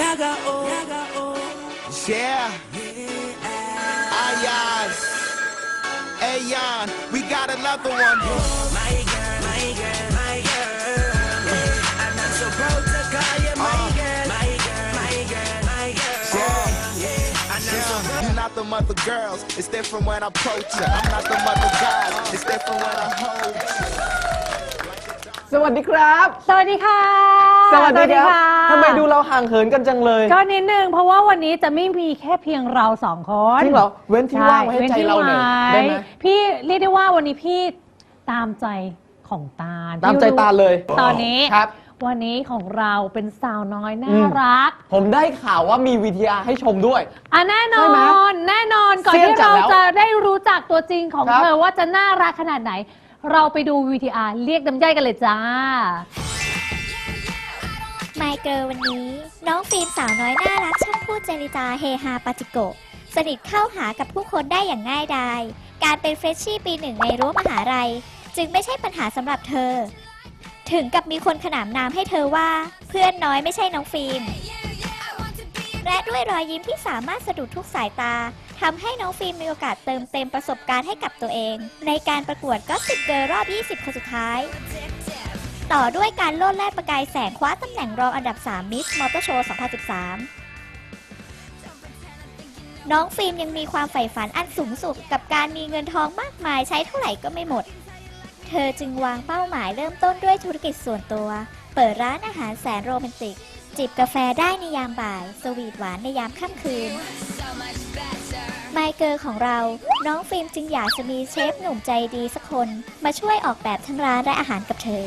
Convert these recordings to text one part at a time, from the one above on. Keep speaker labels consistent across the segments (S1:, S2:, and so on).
S1: Yeah. Ayaz. Ayon. We got another one. My girl, my girl, my girl. I'm not so proud to call you my girl. My girl, my girl, my girl. You're not the mother girls. It's different when I approach you. I'm not the mother guys. It's different when I hold you.
S2: สวัสดีครับ
S3: สวัสดีค่ะ
S2: สวัสดีครับทำไมดูเราห่างเหินกันจังเลย
S3: ก็นิดนึงเพราะว่าวันนี้จะไม่มีแค่เพียงเราสองคน
S2: จริงเหรอเว้นที่ว่างไว้ให้ใจเราหน่อยได้ไหม
S3: พี่เรียกได้ว่าวันนี้พี่ตามใจของตาล
S2: ตามใจตาลเลย
S3: ตอนนี้
S2: ครับ
S3: วันนี้ของเราเป็นสาวน้อยน่ารัก
S2: ผมได้ข่าวว่ามี VTR ให้ชมด้วย
S3: แน่นอนแน่นอนก่อนที่เราจะได้รู้จักตัวจริงของเธอว่าจะน่ารักขนาดไหนเราไปดู VTR เรียกน้ำย่อยกันเลยจ้า
S4: ไมเกิลวันนี้น้องฟิล์มสาวน้อยน่ารักช่างพูดเจริจาเฮฮาปาจิโกะสนิทเข้าหากับผู้คนได้อย่างง่ายดายการเป็นเฟรชชี่ปีหนึ่งในรั้วมหาลัยจึงไม่ใช่ปัญหาสำหรับเธอถึงกับมีคนขนานนามให้เธอว่าเพื่อนน้อยไม่ใช่น้องฟิล์มและด้วยรอยยิ้มที่สามารถสะดุดทุกสายตาทำให้น้องฟิล์มมีโอกาสเติมเต็มประสบการณ์ให้กับตัวเองในการประกวดก็สิบเกิร์ลรอบ 20 คนสุดท้ายต่อด้วยการโลดแล่นประกายแสงคว้าตำแหน่งรองอันดับ 3 มิสมอเตอร์โชว์ 2013 น้องฟิล์มยังมีความใฝ่ฝันอันสูงสุดกับการมีเงินทองมากมายใช้เท่าไหร่ก็ไม่หมดเธอจึงวางเป้าหมายเริ่มต้นด้วยธุรกิจส่วนตัวเปิดร้านอาหารแสนโรแมนติกจิบกาแฟได้ในยามบ่ายสวีทหวานในยามค่ำคืนไมเกิลของเราน้องฟิล์มจึงอยากจะมีเชฟหนุ่มใจดีสักคนมาช่วยออกแบบทั้งร้านและอาหารกับเธอ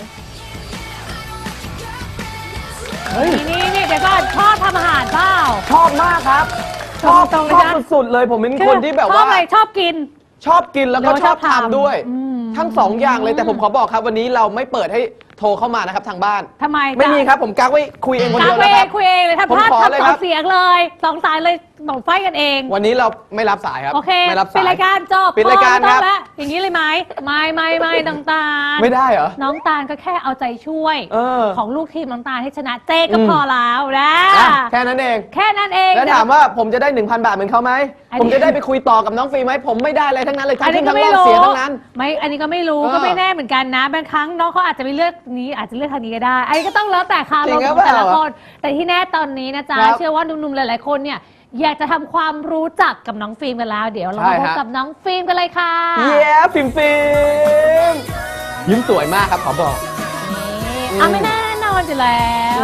S3: นี่เดี๋ยวก่อนชอบทำอาหารเปล่า
S2: ชอบมากครับชอบสุดๆเลยผมเป็นคนที่แบบว่า
S3: ชอบกิน
S2: แล้วก็ชอบทำด้วยทั้งสองอย่างเลยแต่ผมขอบอกครับวันนี้เราไม่เปิดให้โทรเข้ามานะครับทางบ้าน
S3: ทำไม
S2: ไม่มีครับผมกักไว้คุยเองคนเดียวนะครับ
S3: คุยเองเลยถ้าพลาดทำ2 เสียงเลย2 สายเลยบอกไฟกันเอง
S2: วันนี้เราไม่รับสายครับ
S3: โอเค
S2: ไม่รับสาย
S3: ปิดรายการจบ
S2: ปิดรายการครับ
S3: อย่างนี้เลยไหมไม่น้องตาล
S2: ไม่ได้เหรอ
S3: น้องตาลก็แค่เอาใจช่วยของลูกทีมน้องตาลให้ชนะเจ๊ก็พอแล้วนะ
S2: แค่นั้นเอง
S3: แล้ว
S2: ถามว่าผมจะได้ 1,000 บาทเหมือนเขาไหมผมจะได้ไปคุยต่อกับน้องฟิล์มไหมผมไม่ได้อะไรทั้งนั้นเลยทั้งที่ทั้งรอบเสียทั้งนั้น
S3: ไม่อันนี้ก็ไม่รู้ก็ไม่แน่เหมือนกันนะบางครั้งน้องเขาอาจจะไม่เลือกนี้อาจจะเลือกทางนี้ก็ได้อันนี้ก็ต้องแล้วแต่คาร์ลของแต่ละคนแต่ที่แน่ตอนนี้นะจ๊ะเชื่อว่าหนุ่มๆหลายๆคนเนี่ยอยากจะทำความรู้จักกับน้องฟิล์มกันแล้วเดี๋ยวเรามาพบกับน้องฟิล์มกันเลยค่ะ
S2: ฟิล์มยิ้มสวยมากครับขอบอก
S3: ไม่แน่นอนอยู่แล้ว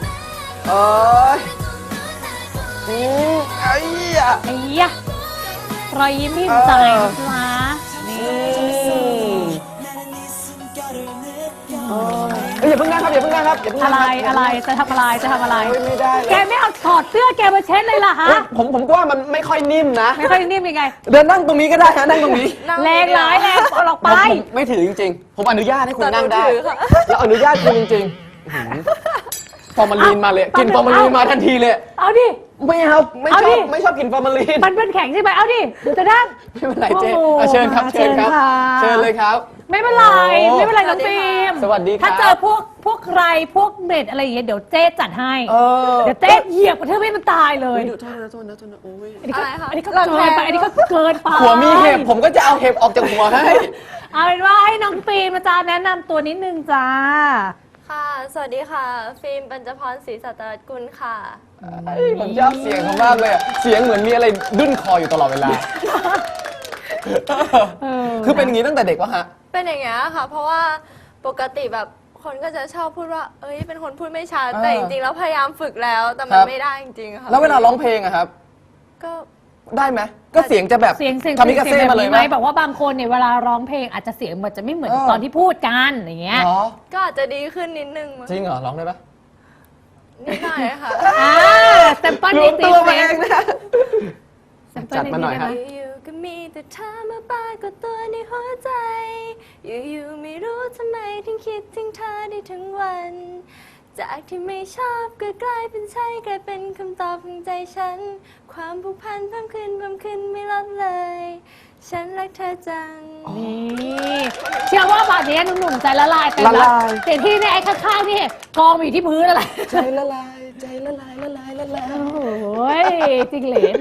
S2: ไอ้
S3: ยะรอยยิ้มพิมพ์ใจนะจ๊ะ
S2: อย่าเพิ่งนั่งครับ
S3: อะไรจะทำอะไร
S2: ไม่ได้
S3: แกไม่เอาถอดเสื้อแกมาเช็ดเลยล่ะฮะ
S2: ผมว่ามันไม่ค่อยนิ่มนะ
S3: ไม่ค่อยนิ่มยังไง
S2: เดินนั่งตรงนี้ก็ได้ฮะนั่งตรงนี้
S3: แรงร้ายเอาออกไป
S2: ไม่ถือจริงๆผมอนุญาตให้คุณนั่งได้แล้วอนุญาตคุณจริงๆฟอร์มาลีนมาเลยกินฟอร์มาลีนมาทันทีเลย
S3: เอาดิ
S2: ไม่ชอบกินฟอร์มาลีน
S3: มันเป็นแข็งใช่ไหมเอาดิเดี๋ยวจะนั่ง
S2: ไม่เป็นไรเจ๊เชิญครับเชิญเลยครับ
S3: ไม่เป็นไรน้องฟิล์ม
S2: สวัสดีครับ
S3: ถ้าเจอพวกใครพวกเน็ตอะไรอย่างเงี้ยเดี๋ยวเจ๊จัดให้เดี๋ยวเจ๊เหยียบเธอไม่มันตายเลย
S2: โทษนะโอ้ย
S3: อันนี้ก็เกินไป
S2: หัวมีเห็บผมก็จะเอาเห็บออกจากหัวให้
S3: เอาเป็นว่าให้น้องฟิล์มมาจ้าแนะนำตัวนิดนึงจ้า
S5: ค่ะสวัสดีค่ะฟิล์มปัญจพรศรีสัตกุลค่ะ
S2: ผมชอบเสียงเขามากเลยเสียงเหมือนมีอะไรดุ้นคออยู่ตลอดเวลาคือเป็นอย่างนี้ตั้งแต่เด็กวะฮะ
S5: เป็นอย่างเงี้ยค่ะเพราะว่าปกติแบบคนก็จะชอบพูดว่าเป็นคนพูดไม่ชัดแต่จริงๆแล้วพยายามฝึกแล้วแต่มันไม่ได้จริงๆค่ะ
S2: แล้วเวลาร้องเพลงอะครับ
S5: ก็
S2: ได้ไหมก็เสียงจะแบบคามิกาเซ่มาเลยไหม
S3: บอกว่าบางคนเนี่ยเวลาร้องเพลงอาจจะเสียงมันจะไม่เหมือนตอนที่พูดกันอย่างเงี้ย
S5: ก็อาจจะดีขึ้นนิดนึง
S2: จริงเหรอร้องได้ปะ
S5: นิดหน่อยค่ะ
S3: แซมเปิลนิด
S2: ตัวเองนะจัดมาหน่อยครับ
S5: อยู่ก็มีแต่เธอมาปรากฏตัวในหัวใจอยู่ไม่รู้ทำไมถึงคิดถึงเธอได้ทั้งวันจากที่ไม่ชอบก็กลายเป็นใช่กลายเป็นคำตอบของใจฉันความผูกพันเพิ่มขึ้นไม่ลดเลยฉันรักเธอจัง
S3: นี่เชื่อว่าบาดนี้หนุ่มๆใจละลายเป็นแล้วเสียงที่ในไอ้ข้างๆนี่กองอยู่ที่พื้นอะไร
S2: ใจละลายใจละลายละลายละลาย
S3: โอ้ยจริงเหลน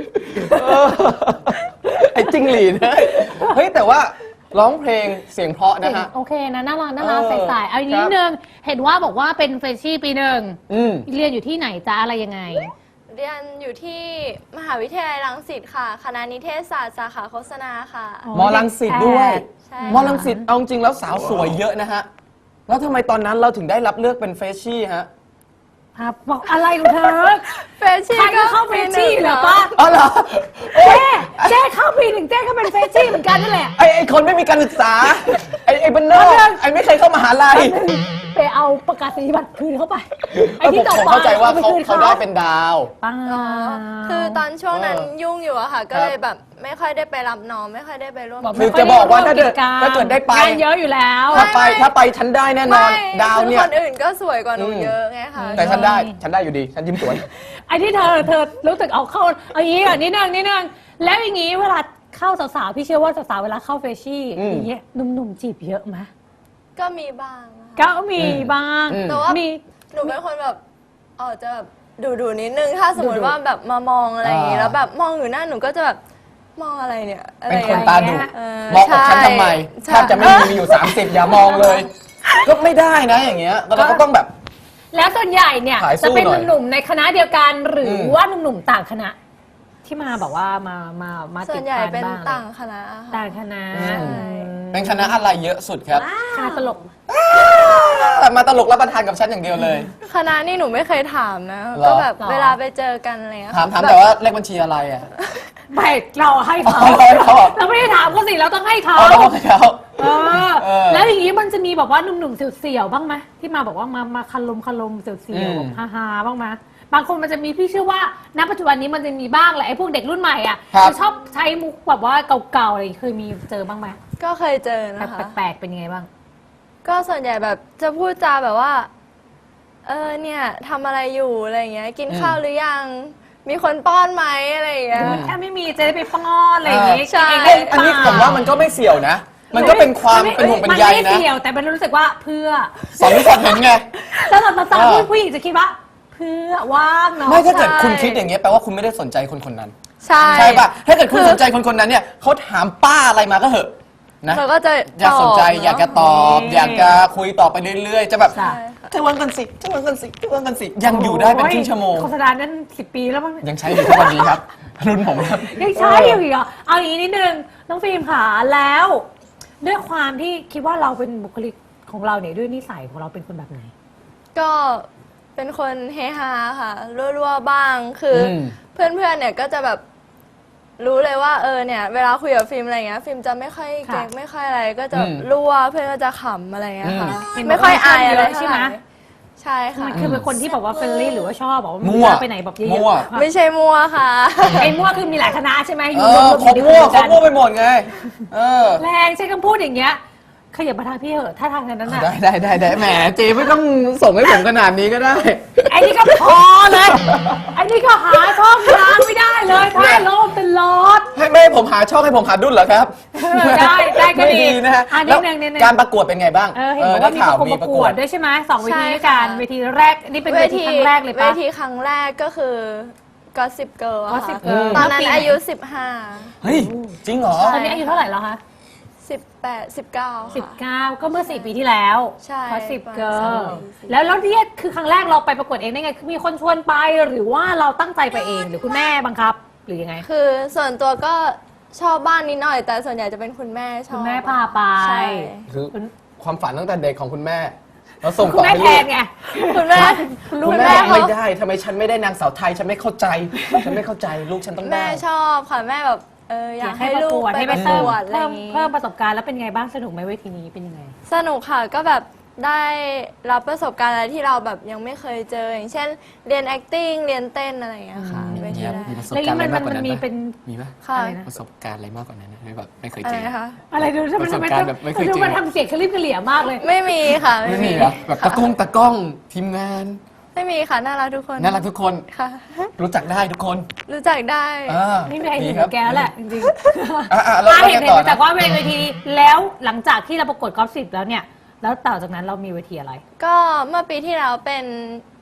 S2: ไอ้จิ้งหรีดนะเฮ้ยแต่ว่าร้องเพลงเสียงเพราะนะฮะ
S3: โอเคนะน่ารักน่ารัก
S2: เออ
S3: ใสๆเอาอีกนิ
S2: ครั
S3: ด
S2: บ
S3: นึงเห็นว่าบอกว่าเป็นเฟรชชี่ปีหนึ่ง
S2: อืม
S3: เรียนอยู่ที่ไหนจ๊ะอะไรยังไง
S5: เรียนอยู่ที่มหาวิทยาลัยรังสิตค่ะ คณะนิเทศศาสตร์สาขาโฆษณาค่ะ
S3: อ๋อ
S2: มอลังสิตด้วย
S5: ใช่
S2: มอลังสิตเอาจริงแล้วสาวสวยเยอะนะฮะ แล้วทำไมตอนนั้นเราถึงได้รับเลือกเป็นเฟรชชี่ฮะ
S3: ครับบอกอะไรของเธอ
S5: เฟรชชี่
S3: ใครก็เข้าเฟรชชี่เหรอป้า
S2: อ๋อเหรอ
S3: เจ๊เข้าปีหนึ่งเจ๊ก็เป็นเฟรชชี่เหมือนกันนั่นแหละ
S2: ไอ้คนไม่มีการศึกษา ไอ้บ้านนอกไอ้ไม่เคยเข้ามหาลัย
S3: ไปเอาประกาศนียบัตรคืนเข้าไป ไอ้
S2: ผม
S3: ที่ต่อ
S2: ผม
S3: ไป
S2: เข้าใจว่าเขา
S3: อไปคืน
S2: เขาได้เป็นดาว
S3: ป้า
S5: อ๋อคือตอนช่วงนั้นยุ่งอยู่อะค่ะ ก็
S2: ครับ
S5: เลยแบบไม่ค่อยได้ไปรับน้อง ไม่ค่อยได้ไปร่วม
S2: คือ จะบอกว่าถ้าเกิดได้ไป
S3: งานเยอะอยู่แล้ว
S2: ถ้าไปฉันได้แน่นอน
S5: ไม่
S2: ดาวเนี่ย
S5: คือคนอื่นก็สวยกว่าหนู
S2: อืม
S5: เยอะไงคะ
S2: แต่ฉันได้อยู่ดี ฉันยิ้มสวย
S3: ไอ้ที่เธอรู้สึกเอาเข้าเอาอย่างนี้ก่อนนิดนึงแล้วอย่างนี้เวลาเข้าสาวๆพี่เชื่อว่าสาวๆเวลาเข้าเฟรชชี่
S2: อืม
S3: อย่างเงี้ยหนุ่มๆจีบเยอะไหม
S5: ก็มีบ้างนะคะ
S3: ก็มีบ้าง
S2: อืม
S5: แต่ว่า
S3: มี
S5: หนูเป็นคนแบบจะแบบดูนิดนึง ถ้าสมมติว่าแบบมามองอะไรอย่างงี้ แล้วแบบมองอยู่หน้าหนูก็จะแบบมองอะไรเนี่ยอะไร
S2: เป็น
S5: อย่ง
S2: คน
S5: งี้ย
S2: ตาดุ
S5: เออ
S2: มองอกฉันทำไม
S5: ใช่
S2: แทบจะไม่มีอยู่ 30 อย่ามองเลย ก็ไม่ได้นะอย่างเงี้ยเราก็ต้องแบบ
S3: แล้วส่วนใหญ่เนี่ย
S2: ขายสู้
S3: จะเป็น
S2: หน่อย
S3: หนุ่มๆในคณะเดียวกันหรืออ
S2: ม
S3: ว่าหนุ่มๆต่างคณะ ที่มาแบบว่ามา
S5: ส่
S3: ติ
S5: ว
S3: ด
S5: นใหญ่
S3: พัน
S5: เป็น
S3: บ้าง
S5: ต่างคณะค่ะ
S3: ต่างคณะ
S2: อืม
S3: อืม
S2: เป็นคณะอะไรเยอะสุดครับ
S3: คณะตลก
S2: มาตลกรับประทานกับฉันอย่างเดียวเลย
S5: คณะนี่หนูไม่เคยถามนะ
S2: หรอ
S5: ก็แบบ
S3: หรอ
S5: เวลาไปเจอกันอะไรเงี้ย
S2: ถาม
S5: บบ
S2: แต่ว่าเลขบัญชีอะไรอ่ะ
S3: ไม่เราให้เขา
S2: อ๋อให้เขา
S3: เราไม่ได้ถามเขาสิเราต้องให้เขา
S2: เอาแล้วให้เขา
S3: เออ
S2: เออ
S3: แล้วอย่างนี้มันจะมีแบบว่าหนุ่มๆเสียวๆบ้างไหมที่มาบอกว่ามาคันลมเสียว
S2: อืม
S3: ๆแบบฮาๆบ้างไหมบางคนมันจะมีพี่เชื่อว่าณปัจจุบันนี้มันจะมีบ้างแหละไอ้พวกเด็กรุ่นใหม่อ่ะ
S2: ครับ
S3: จะชอบใช้มุกแบบว่าเก่าๆอะไรเคยมีเจอบ้างไหม
S5: ก็เคยเจอนะคะ
S3: แปลกๆเป็นยังไงบ้าง
S5: ก็ส่วนใหญ่แบบจะพูดจาแบบว่า เนี่ยทำอะไรอยู่อะไรอย่างเงี้ย กินข้าวหรือยัง มีคนป้อนไหมอะไรอย่างเงี้ย
S3: ถ้าไม่มีจะได้ไปป้อนอะไรอย่างงี้
S5: ใช่
S3: กินเงได้หรื
S2: อันนี้
S3: เปล่
S2: ผมว่ามันก็ไม่เสี่ยวนะ มันก็เป็นความเป็นห่วงเป็นใย
S3: มันไม่
S2: นะ
S3: เสี่ยวแต่มันรู้สึกว่าเพื่อ
S2: สอนเห็นไง
S3: แล้วเราตอน
S2: เออ
S3: ผู้หญิงจะคิดว่า เพื่อว่างเนาะ
S2: ไม่ถ้าเกิด
S5: ใช่
S2: คุณคิดอย่างเงี้ยแปลว่าคุณไม่ได้สนใจคนคนนั้น
S5: ใช่
S2: ใช่ป่ะ ถ้าเกิดคุณสนใจคนคนนั้นเนี่ยเขาถามป้าอะไรมาก็เหอะนะ
S5: เราก็จะ
S2: อยากสนใจ
S5: ตบเะ
S2: อยากจะตอบ อยากจะคุยต่อไปเรื่อยๆ จะแบบ
S3: ใช่
S2: จะวันกันสิจะวันกันสิจะวันกันสิยังอยู่ได้เป็นครึ่งชั่วโมง
S3: โฆษณานั้น10 ปีแล้วมั้ง
S2: ยังใช้อยู่ทุกวันนี้ครับ รุ่นผมครับ
S3: ยังใช้อยู่อีกเหรอเอาอย่างนี้นิดนึงน้องฟิล์มค่ะแล้ว ด้วยความที่คิดว่าเราเป็นบุคลิกของเราเนี่ยด้วยนิสัยของเราเป็นคนแบบไหน
S5: ก็เป็นคนเฮฮาค่ะรั่วๆบ้างคืออ
S2: ม
S5: เพื่อนๆเนี่ยก็จะแบบรู้เลยว่าเนี่ยเวลาคุยกับฟิล์มอะไรเงี้ยฟิล์มจะไม่ค่อยเก๊ก
S3: ค่ะ
S5: ไม่ค่อยอะไรก็จะ
S2: อืม
S5: รั่วเพื่อนก็จะขำอะไรเงี้ยค่ะ
S3: อืม
S5: ไม่ค่อยอายอะไร
S3: ใช่ไหม
S5: ใช่ค่ะ
S3: คือเป็นคนที่แบบว่าเฟรนลี่หรือว่าชอบบอกว่า
S2: มั่ว
S3: ไปไหนแบบเย
S2: มั่
S3: อะ
S2: ว
S5: ไม่ใช่มัวค่ะ
S3: ๆไอ้มั่วคือมีหลายคณะใช่ไหมอยู่
S2: เอ
S3: ร
S2: อ
S3: วมๆ
S2: เขา
S3: อยู่
S2: มั่ว
S3: ด้วย
S2: เขา
S3: กัน
S2: มั่วไปหมดไง เออ
S3: แรงใช้คำพูดอย่างเงี้ยขยับมาทางพี่เหอะถ้าทางนั้นน่ะ
S2: ได้แหมเจไม่ต้องส่งให้ผมขนาดนี้ก็ได้
S3: ไอ้นี่ก็พอเลยไอ้นี่ก็หาช่องทางไม่ได้เลยถ้าโลมเป็นลอด
S2: ไม่ให้ผมหาช่องให้ผมหาดุลเหรอครับ
S3: ได้ก็
S2: ไม่
S3: ดี
S2: ดีนะฮะ
S3: นิ
S2: แล้
S3: ด
S2: ว
S3: นึง
S2: การประกวดเป็นไงบ้าง
S3: เห็นบอกว่ามี
S2: ได้ข่าว
S3: ประกวดด้วยใช่ไหมสองเวทีด้วยกัน
S5: ใช่ค่ะ
S3: เวทีแรกนี่เป็นเวทีครั้งแรกเลย
S5: เว
S3: ปะ
S5: ทีครั้งแรกก็คือ Gossip Girl อะ
S3: Gossip
S5: ค่ะ
S3: Girl
S5: ตอนนั้น
S3: เมื่อปีไหน
S5: อายุ
S2: เฮ้ย จริงเหรอ
S5: ใช่
S3: ตอนนี้อายุเท่าไหร่แล้วคะ
S5: 18 19ค่ะ
S3: 19 ก็เมื่อ4 ปีที่แล้ว
S5: ใช่
S3: เพราะ10
S5: ประมาณ
S3: เกิ
S5: สาม
S3: ร์
S5: ปี
S3: แล้วเนี่ยคือครั้งแรกเราไปประกวดเองได้ไงคือมีคนชวนไปหรือว่าเราตั้งใจไปเองหรือคุณแม่บังคับ หรือยังไง
S5: คือส่วนตัวก็ชอบบ้านนิดหน่อย แต่ส่วนใหญ่จะเป็นคุณแม่ชอบ
S3: คุณแม่พาไป
S5: ใช่
S2: คือความฝันตั้งแต่เด็กของคุณแม่ แล้วส่ง
S3: คุณ
S2: ต่อ
S3: แม่
S2: ให้
S3: แท
S2: ลู
S3: น
S2: ก
S3: ไง
S5: คุณแม่
S3: คุณลู
S2: คุ
S3: ก
S2: ณ
S3: แม่
S2: แม่
S5: เขา
S2: ไม่ได้ทำไมฉันไม่ได้นางสาวไทย ฉันไม่เข้าใจ ฉันไม่เข้าใจลูกฉันต้อง
S5: แม่
S2: ได้
S5: ชอบค่ะแม่แบบอยากให้ลูกไป
S3: ให้
S5: ป
S3: ไประ เพิ่
S5: ก
S3: ม
S5: วดอะไรอย่างงี้
S3: เพิ่มประสบการณ์แล้วเป็นไงบ้างสนุกไหมเวทีนี้เป็นยังไง
S5: สนุกค่ะก็แบบได้รับประสบการณ์อะไรที่เราแบบยังไม่เคยเจอ อย่างเช่นเรียน acting เรียนเต้นอะไรอย่างเงี้ยค่ะเวทีแรก
S2: มีประสบ
S3: แล้ว
S2: การ
S3: นี่
S2: ณ์อะไรมากกว่านั้น
S3: มี
S2: ไหม
S3: เป็น
S2: มีไหม
S5: ค่ะ
S3: อะไรนะ
S2: ประสบการณ์อะไรมากกว่านั้นนะแบบไม่เคย
S5: อะ
S2: เจ
S5: ไร
S2: อ
S5: นะคะ
S3: อะไรดูทำไม
S2: ประสบการณ์แบบไม่เคยเจอ
S3: ดูมันทำเสียงคลิปกระเหลี่ยมากเลย
S5: ไม่มีค่ะ
S2: ไม่มีเหรอแบบตะกล้องทีมงาน
S5: ไม่มีค่ะน่ารักทุกคน
S2: น่ารักทุกคน
S5: ค่ะ
S2: รู้จักได้ทุกคน
S5: รู้จักได้
S3: ไม่มีใครถึงกับแกแล้วแหละจริงๆ
S2: แล้ว
S3: เห็น
S2: ต่อ
S3: มาจาก
S2: นะ
S3: ว่าเวทีแล้วหลังจากที่เราประกวดกอล์ฟ10แล้วเนี่ย แล้วต่อจากนั้นเรามีเวทีอะไร
S5: ก็เมื่อปีที่แล้วเป็น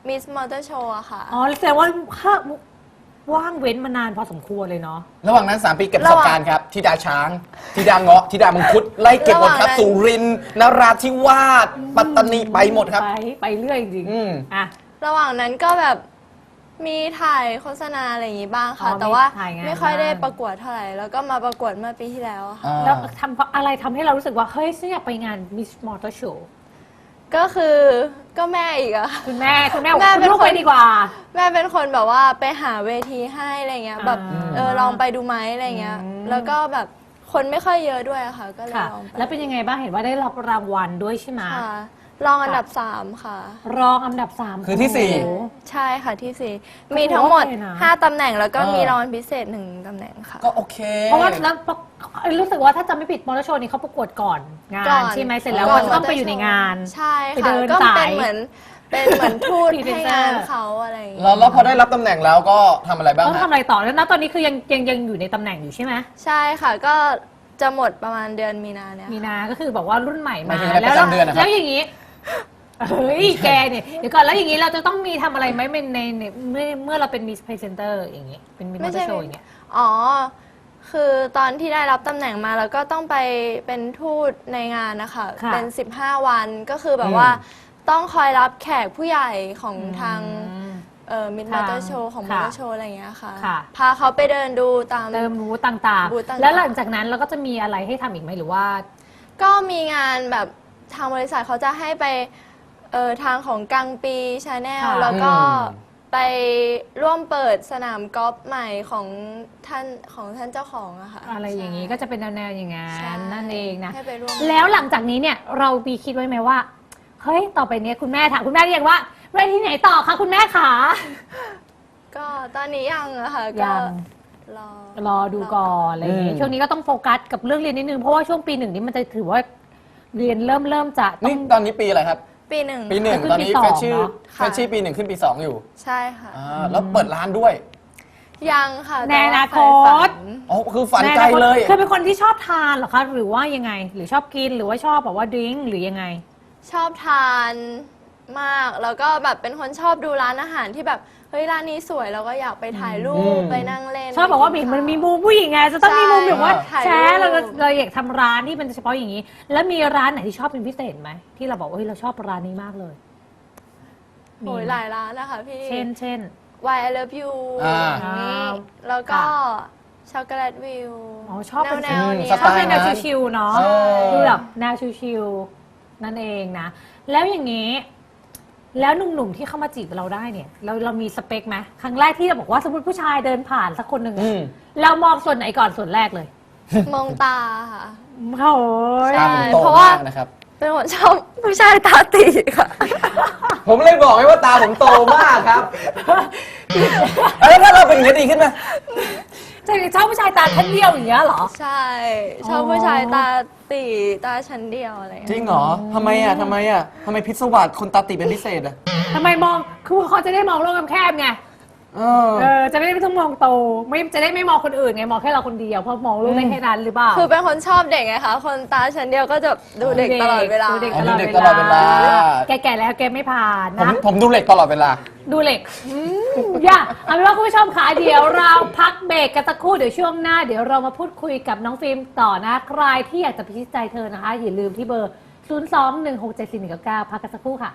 S5: Miss Motor Show อะค่ะ
S3: อ๋อแสดงว่าว่างเว้นมานานพอสมควรเลยเนาะ
S2: ระหว่างนั้น 3 ปีเก็บประสบการณ์ครับธิดาช้างธิดาเงาะธิดามังคุดไล่เก็บหมดครับ
S5: ระหว่างนั้น
S2: สุรินทร์นราธิวาสปัตตานีไปหมดครับ
S3: ไปเรื่อยจริง
S2: อืม
S3: ๆอ่ะ
S5: ระหว่างนั้นก็แบบมีถ่ายโฆษณาอะไรอย่างงี้บ้างค่ะ
S3: อ๋อ
S5: แต่ว่า
S3: มีถ่ายงาน
S5: ไม่ค่อยได้
S3: บ้าง
S5: ประกวดเท่าไหร่ แล้วก็มาประกวดเมื่อปีที่แล้วอะค่ะ
S3: แล้วอะไรทำให้เรารู้สึกว่า เฮ้ยฉันอยากไปงาน Miss Motor Show
S5: ก็คือก็แม่อีกอะ
S3: คุณแม่บอก
S5: แม่เป็น
S3: คุณลูก
S5: คน
S3: ไปดีกว่า
S5: แม่เป็นคนแบบว่าไปหาเวทีให้อะไรเงี้ยแบบ ลองไปดูไหมอะไรเงี้ย แล้วก็แบบคนไม่ค่อยเยอะด้วยอะค่ะ ก็เลย
S3: ค่ะ
S5: ลองไป
S3: แล้วเป็นยังไงบ้างเห็นว่าได้รับรางวัลด้วยใช่ไหม
S5: ค่ะลองอันดับ 3 ค่ะ
S3: รองอันดับ 3
S2: คือที่สี่
S3: โอ้โห
S5: ใช่ค่ะที่
S3: ก็
S5: 4 มีทั้งหมด
S3: ถือว่าโอเคนะ
S5: 5 ตำแหน่งแล้วก็
S2: เออ
S5: มีรางวัลพิเศษ 1 ตำแหน่งค่ะ
S2: ก็โอเค
S3: เพราะว่าแล้วรู้สึกว่าถ้าจำไม่ผิดมอเตอร์โชว์นี้เขาประกวดก่อนงา
S5: ก่
S3: น
S5: อน
S3: ใช่ไหมเสร็จแล้ว
S5: ก่
S3: ก็
S5: อน
S3: ต้องไปอยู่ในงาน
S5: ใช่
S3: ไป
S5: ค่ะ
S3: เดิน
S5: ก็
S3: สาย
S5: เป็นเหมือนทูต
S3: Presenter
S5: ให้งานเขาอะไรอย่างเงี้ย
S2: แล้วพอได้รับตำแหน่งแล้วก็ทำอะไรบ้าง
S3: ต้อง
S2: ฮะ
S3: ทำอะไรต่อแล้วนะตอนนี้คือยังอยู่ในตำแหน่งอยู่ใช่ไหม
S5: ใช่ค่ะก็จะหมดประมาณเดือนมีนาเนี่ย
S3: มีนาก็คือบอกว่ารุ่นใหม่
S2: หมาย
S3: มา
S2: ถึงอะไรประจำเดือนนะครับ
S3: แล้วอย่างนี้เฮ้ยแกเนี่ยเดี๋ยวก่อนแล้วอย่างนี้เราจะต้องมีทำอะไรไหมในเมื่อเราเป็นมิสพรีเซนเตอร์อย่างนี้เป็นมิสมอเตอร์โชว์อย่างเงี้ย
S5: อ๋อ คือตอนที่ได้รับตำแหน่งมาแล้วก็ต้องไปเป็นทูตในงานนะคะ
S3: ค่ะ
S5: เป็น 15 วันก็คือแบบว่าต้องคอยรับแขกผู้ใหญ่ของทางมิดมอเตอร์โชว์ของมอ
S3: ค่ะ
S5: เตอร์โชว์อะไรอย่างเงี้ยค่ะ
S3: ค่ะ
S5: พาเขาไปเดินดูตาม
S3: เติมรู้ต่าง
S5: บูธต่างๆ
S3: ๆ แล้วหลังจากนั้นเราก็จะมีอะไรให้ทำอีกไหมหรือว่า
S5: ก็มีงานแบบทางบริษัทเขาจะให้ไปทางของกังปีชาแนล
S3: ค่ะ
S5: แล้วก็
S2: อืม
S5: ไปร่วมเปิดสนามกอล์ฟใหม่ของท่านเจ้าของอะค่ะ
S3: อะไรอย่างนี้
S5: ใช่
S3: ก็จะเป็นแนวๆอย่างนั้
S5: ใช่
S3: นนั่นเองนะ
S5: ให้ไปร่วม
S3: แล้วหลังจากนี้เนี่ยเรามีคิดไว้ไหมว่าเฮ้ยต่อไปเนี้ยคุณแม่ถามคุณแม่เรียกว่าไปที่ไหนต่อคะคุณแม่ขา
S5: ก็ตอนนี้ยังอะค่ะ
S3: ยั
S5: ก็
S3: ง
S5: รอ
S3: ดูก่อนอะไรอย่างงี้
S2: อืม
S3: ช่วงนี้ก็ต้องโฟกัสกับเรื่องเรียนนิดนึงเพราะว่าช่วงปี 1นี้มันจะถือว่าเรียนเริ่มจะต้อ
S2: นี่
S3: ง
S2: ตอนนี้ปีอะไรครับ
S5: ปีหนึ่ง
S2: ปีหนึ่ง
S3: ขึ้น
S2: ตอนนี้
S3: ปีสอง
S2: เฟชชี่
S3: เนอะ
S2: เฟชชี่ปี 1 ขึ้นปี 2 อยู่
S5: ใช่ค่ะ
S2: แล้วเปิดร้านด้วย
S5: ยังค่ะ
S3: ในอนาคต
S2: อ๋อคือฝันไกลเลย
S3: คือเป็นคนที่ชอบทานเหรอคะหรือว่ายังไง หรือชอบกินหรือว่าชอบแบบว่าดื่มหรือยังไง
S5: ชอบทานมาก แล้วก็แบบเป็นคนชอบดูร้านอาหารที่แบบเฮ้ยร้านนี้สวยแล้วก็อยากไปถ่ายรู
S2: อื
S5: ป
S2: ม
S5: ไปนั่งเล่น
S3: ชอบบอกว่า
S5: ไปกิ
S3: มันมี
S5: ข้ว
S3: มุมผู้หญิงไงจะต้องมีมุมแบบว่า
S5: ใช่
S3: แช
S5: ถ่าย
S3: ร์
S5: รูป
S3: เราอยากทำร้านที่เป็นเฉพาะอย่างนี้ แล้วมีร้านไหนที่ชอบเป็นพิเศษไหมที่เราบอกว่าเฮ้ยเราชอบร้านนี้มากเลย
S5: โอ้ยหลายร้านนะคะพี่
S3: เช่น
S5: Why I Love You
S2: อ่า
S5: อย่างนี้
S3: อ่า
S5: แล้วก็
S3: ค่ะ
S5: ช็อกโกแลตวิว
S3: อ๋อชอบเป็น
S5: แนวๆนี้
S2: ส
S3: ช
S2: ไต
S3: อบ
S2: ล์
S3: เป็นแนว
S2: นั้น
S3: ชิวๆเนาะ
S2: ใช่
S3: ดูแบบแนวชิวๆนั่นเองนะ แล้วอย่างนี้ แล้วหนุ่มๆที่เข้ามาจีบเราได้เนี่ย เรามีสเปคไหมครั้งแรกที่เราบอกว่าสมมติผู้ชายเดินผ่านสักคนหนึ่งอะ
S2: อืม
S3: เรามองส่วนไหนก่อนส่วนแรกเลย
S5: มองตาค่ะ
S3: โอ้ย
S5: ใช่
S2: ตามผมโต
S5: เพราะว่า
S2: มากนะครับ
S5: เป็นคนชอบผู้ชายตาตีค่ะ
S2: ผมเลยบอกไงว่าตาผมโตมากครับ แล้วถ้าเราเป็นอย่างนี้ดีขึ้นไหม
S3: จะชอบผู้ชายตาชั้นเดียวอย่างเงี้ยเหรอ
S5: ใช่ ชอบผู้ชายตาตีตาชั้นเดียวอะไรอย่าง
S2: จริ
S5: เงี้ย
S2: งเหรอทำไมอ่ะทำไมพิศวาสคนตาติเป็นพิเศษอ่ะ
S3: ทำไมมอง คือเขาจะได้มองโลกแคบๆไง จะไม่ต้องมองโต จะได้ไม่มองคนอื่นไง มองแค่เราคนเดียว เพราะมองโลกได้แค่นั้นหรือเปล่า
S5: คือเป็นคนชอบเด็กไงคะ คนตาชั้นเดียวก็จะดูเด็กตลอดเวลา
S3: ดูเด็ก
S2: อ๋อ
S3: ตลอด
S2: ดูเด็ก
S3: เว
S2: ตลอดเวลา
S3: ลา แก่ๆแล้วแกไม่ผ่าน
S2: ผม
S3: นะ
S2: ผมดูเหล็กตลอดเวลา
S3: ดูเหล็กอย่าเอาเป็นว่าคุณผู้ชมค่ะเดี๋ยวเราพักเบรกกันสักครู่เดี๋ยวช่วงหน้า เดี๋ยวเรามาพูดคุยกับน้องฟิล์มต่อนะ ใครที่อยากจะพิชิตใจเธอนะคะ อย่าลืมที่เบอร์ 021674199 พักกันสักครู่ค่ะ